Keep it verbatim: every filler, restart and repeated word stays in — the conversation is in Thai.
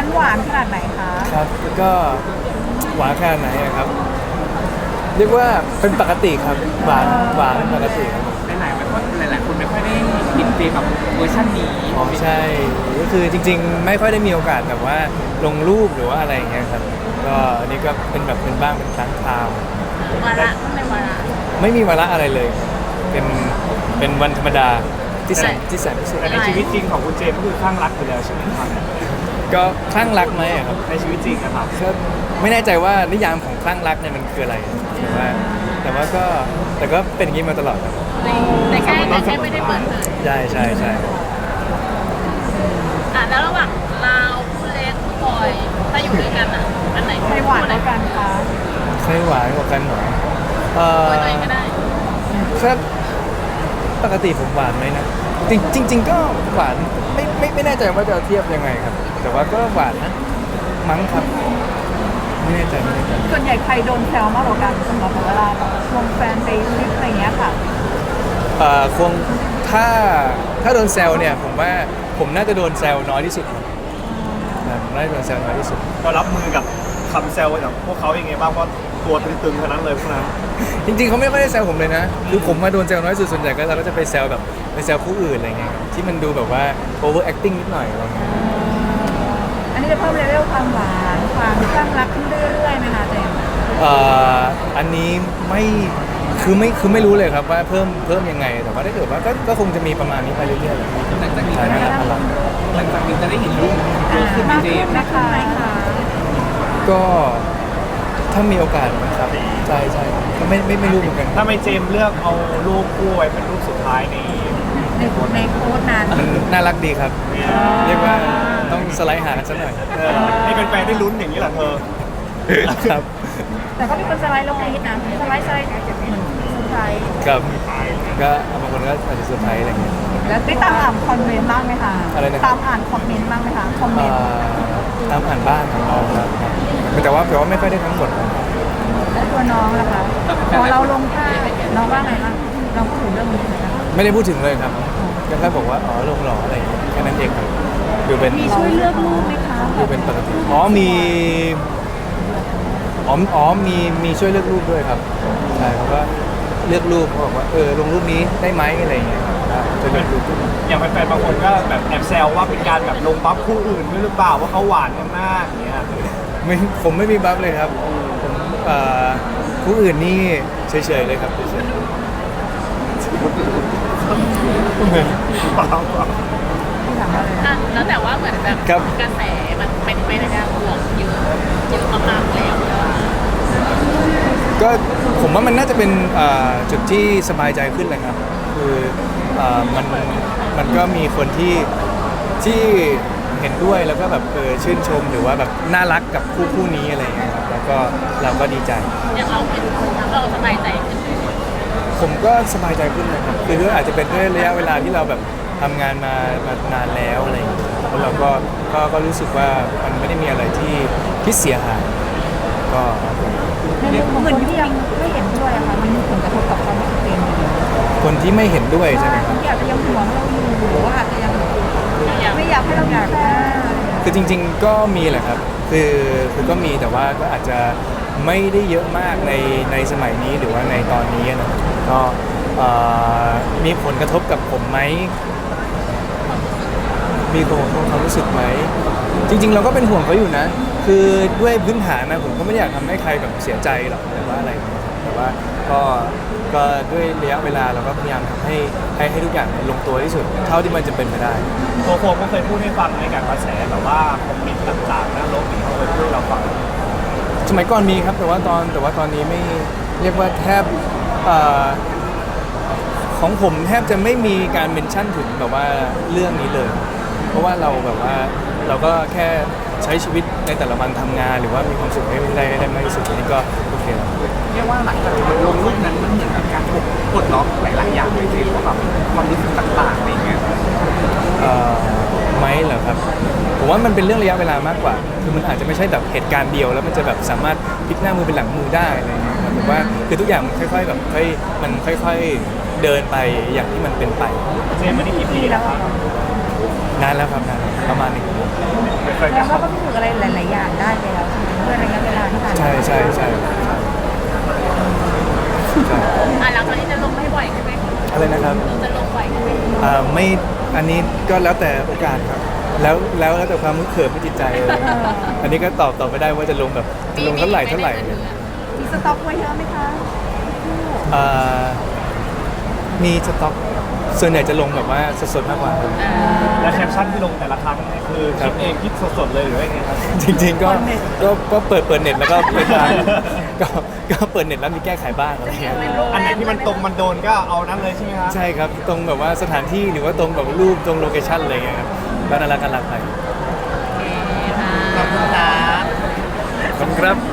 นั้นหวานขนาดไหนคะครับแล้วก็หวานขนาดไหนอะครับ เรียกว่าเป็นปกติครับหวานหวานเป็นปกติครับหลายๆมันก็หลายๆคนไม่ค่อยได้เห็นเฟรมแบบเวอร์ชันนี้อ๋อใช่ก็คือจริงๆ ไม่ค่อยได้มีโอกาสแบบว่าลงรูปหรือว่าอะไรอย่างเงี้ยครับก็อันนี้ก็เป็นแบบเป็นบ้างเป็นครั้งคราววาระต้องในวาระไม่มีวาระอะไรเลย เป็นเป็นวันธรรมดาที่แสนที่แสนพิเศษแต่ในชีวิตจริงของคุณเจมส์ก็คือข้างรักอยู่แล้วใช่ไหมครับก็คลั่งรักไหมอะครับในชีวิตจริงนะครับก็ไม่แน่ใจว่านิยามของคลั่งรักเนี่ยมันคืออะไรแต่ว่าแต่ว่าก็แต่ก็เป็นอย่างนี้มาตลอดครับแต่แค่แต่แค่ไม่ได้เปิดเผยใช่ใช่ใช่อ่ะแล้วระหว่างเราคู่เล็กคู่บอยถ้าอยู่ด้วยกันอ่ะอันไหนใครหวานกว่ากันคะใครหวานกว่ากันหรอเออตัวเองก็ได้ครับปกติผมหวานไหมนะจริงจริง ๆ ก็หวานไม่ไม่ไม่แน่ใจว่าจะเทียบยังไงครับ แต่ว่าก็หวานนะมั้งครับไม่แน่ใจไม่แน่ใจส่วนใหญ่ใครโดนแซวมากกว่ากันสำหรับเวลาแบบชวนแฟนไปทริปอะไรเงี้ยค่ะเอ่อคงถ้าถ้าโดนแซวเนี่ยผมว่าผมน่าจะโดนแซวน้อยที่สุดครับครับผมน่าจะโดนแซวน้อยที่สุดก็รับมือกับคำแซวจากพวกเขายังไงบ้างเพราะตัวตึงๆเท่านั้นเลยพวกนั้นจริงๆเขาไม่ค่อยได้แซวผมเลยนะคือผมมาโดนแซวน้อยสุดส่วนใหญ่ก็เราก็จะไปแซวแบบไปแซวผู้อื่นอะไรเงี้ยครับที่มันดูแบบว่า over acting นิดหน่อยอะไรเงี้ยอันนี้จะเพิ่มเลเวลความหวานความคลั่งรักขึ้นเรื่อยๆไหมคะเจมส์เอ่ออันนี้ไม่คือไม่คือไม่รู้เลยครับว่าเพิ่มเพิ่มยังไงแต่ว่าถ้าเกิดว่าก็ก็คงจะมีประมาณนี้ไปเรื่อยๆหลังจากนี้ใช่จะนั่ได้นแหละครับหลังจากนี้จะได้เห็นรูปเยอะขึ้นไหมมากเจขึ้มนส์นะคะคะก็ถ้ามีโอกาสนะครับใช่ใช่ก็ไม่ไม่ไม่รู้เหมือนกันถ้าไม่เจมส์เลือกเอารูปคู่ไว้เป็นรูปสุดท้ายในในในโค้ดนั้นมันน่ารักดีครับ เรียกว่าต้องสไลด์หากันสักหน่อยเออให้แฟนๆได้ลุ้นอย่างนี้แหละเธอครับแต่ก็มีคนสไลด์ลงในฮิตนะสไลด์สไลด์เหมือนเซอร์ไพรส์ครับก็บางคนก็อาจจะเซอร์ไพรส์อะไรเงี้ยแล้วได้ตามอ่านคอมเมนต์บ้างไหมคะอะไรนะครับตามอ่านคอมเมนต์บ้างไหมคะคอมเมเอ่นต์อตามอ่านบ้างครับครับแต่ว่าแต่ว่าไม่ค่อยได้ทั้งหมดครับแล้วตัวน้องล่ะคะพอเราลงท่าน้องว่าไงบ้างเราพูดถึงเรื่องนี้ไหมคะไม่ได้พูดถึงเลยครับก็แค่บอกว่าอ๋อลงหล่ออะไรอย่างเงี้ยแค่นั้นเองครับดูเป็นมีช่วยเลือกรูปไหมคะดูเป็นปกติอ๋อมีอ๋ออ๋อมีมีช่วยเลือกรูปด้วยครับใช่เขาก็เลือกรูปเขาบอกว่าเออลงรูปนี้ได้ไหมอะไรอย่างเงี้ยครับช่วยเลือกรูปอย่างแฟนๆบางคนก็แบบแอบแซวว่าเป็นการแบบลงบัฟคู่อื่นด้วยหรือเปล่าว่าเขาหวานกันมากอย่างเงี้ยไม่ผมไม่มีบัฟเลยครับผมเอ่อผู้อื่นนี่เฉยๆเลยครับเฉยเปล่าเปล่าที่ถามว่าอะไรอ่ะแล้วแต่ว่าเหมือนแบบๆครับกระแสมันเป็นไปในทางบวกเยอะเยอะมากๆแล้วก็ผมว่ามันน่าจะเป็นอ่าจุดที่สบายใจขึ้นเลยครับคืออ่ามันมันก็มีคนที่ที่เห็นด้วยแล้วก็แบบเออชื่นชมหรือว่าแบบน่ารักกับคู่คู่นี้อะไรอย่างเงี้ยครับแล้วก็เราก็ดีใจอย่างเราเป็นเราสบายใจขึ้นผมก็สบายใจขึ้นนะครับคือด้วยอาจจะเป็นด้วยระยะเวลาที่เราแบบทำงานมามานานแล้วอะไรอย่างเงี้ยแล้วเราก็ก็ก็รู้สึกว่ามันไม่ได้มีอะไรที่ที่เสียหายก็ในมุมคนที่ยังไม่เห็นด้วยอะค่ะมันมีผลกระทบกับความรู้สึกเจมส์อยู่คนที่ไม่เห็นด้วยใช่ไหมคครับ นที่อาจจะยังห่วงเราอยู่หรือว่าอาจจะยังอย่างไม่อยากให้เราอยากได้คือจริงๆก็มีแหละครับ คือคือก็มีแต่ว่าก็อาจจะไม่ได้เยอะมากในในสมัยนี้หรือว่าในตอนนี้นะก็เอ่อมีผลกระทบกับผมไหมมีผลกระทบความรู้สึกไหมจริง ๆ เราก็เป็นห่วงเขาอยู่นะ คือด้วยพื้นฐานนะผมก็ไม่ได้อยากทำให้ใครแบบเสียใจหรอกหรือว่าอะไรอย่างเงี้ยแต่ว่าก็ก็ด้วยระยะเวลาเราก็พยายามทำให้ให้ให้ทุกอย่างลงตัวที่สุดเท่าที่มันจะเป็นไปได้ตัวโฟมก็เคยพูดให้ฟังในการกระแสแบบว่าคอมเมนต์ต่างๆนะโลกนี้เขาเคยพูดให้เราฟังสมัยก่อนมีครับแต่ว่าตอนแต่ว่าตอนนี้ไม่เรียกว่าแทบเอ่อของผมแทบจะไม่มีการเมนชั่นถึงแบบว่าเรื่องนี้เลย เพราะว่าเราแบบว่าเราก็แค่ใช้ชีวิตในแต่ละวันทำงาน หรือว่ามีความสุขให้ได้ได้มากที่สุดอันนี้ก็โอเคแล้วเรียกว่าหลังจากที่มันลงรูปนั้นมันเหมือนกับการปลดล็อกหลายๆอย่างเลยเจมส์ว่าแบบความรู้สึกต่างๆอะไรอย่างเงี้ยเอ่อไหมเหรอครับผมว่ามันเป็นเรื่องระยะเวลามากกว่า คือมันอาจจะไม่ใช่แบบเหตุการณ์เดียวแล้วมันจะแบบสามารถพลิกหน้ามือเป็นหลังมือได้อะไรอย่างเงี้ยครับผมว่าคือทุกอย่างมันค่อยๆแบบค่อยมันค่อยๆเดินไปอย่างที่มันเป็นไปเจมส์ไม่ได้กี่ปีแล้วครับฮนานแล้วครับนานแล้วประมาณหนึ่งไม่เคยแล้วก็พิสูจน์อะไรหลาย ๆ อย่างได้แล้วใช่ไหมด้วยระยะเวลาที่ผ่านมาใช่ใช่ใช่ใช่ใช่อ่ะหลังจากนี้จะลงไม่บ่อยใช่ไหมอะไรนะครับเราจะลงบ่อยใช่ไหมอ่าไม่อันนี้ก็แล้วแต่โอกาสครับ แล้วแล้วแล้วแต่ความมึกเขิมไม่จิตใจเลยอันนี้ก็ตอบตอบไม่ได้ว่าจะลงแบบจะลงเท่าไหร่เท่าไหร่มีสต็อกไว้เยอะไหมคะอ่ามีสต็อกส่วนใหญ่จะลงแบบว่าสดๆมากกว่าครับและแคปชั่นที่ลงแต่ละครั้งเนี่ยคือคิดเองคิดสดๆเลยหรือว่าไงครับจริงๆก็ก็ก็เปิดเปิดเน็ตแล้วก็ไปตามก็ก็เปิดเน็ตแล้วมีแก้ไขบ้างอะไรเงี้ยอันไหนที่มันตรงมันโดนก็เอานั้นเลยใช่ไหมครับใช่ครับตรงแบบว่าสถานที่หรือว่าตรงแบบรูปตรงโลเคชั่นอะไรเงี้ยครับก็น่ารักน่ารักไปโอเคค่ะขอบคุณครับขอบคุณครับ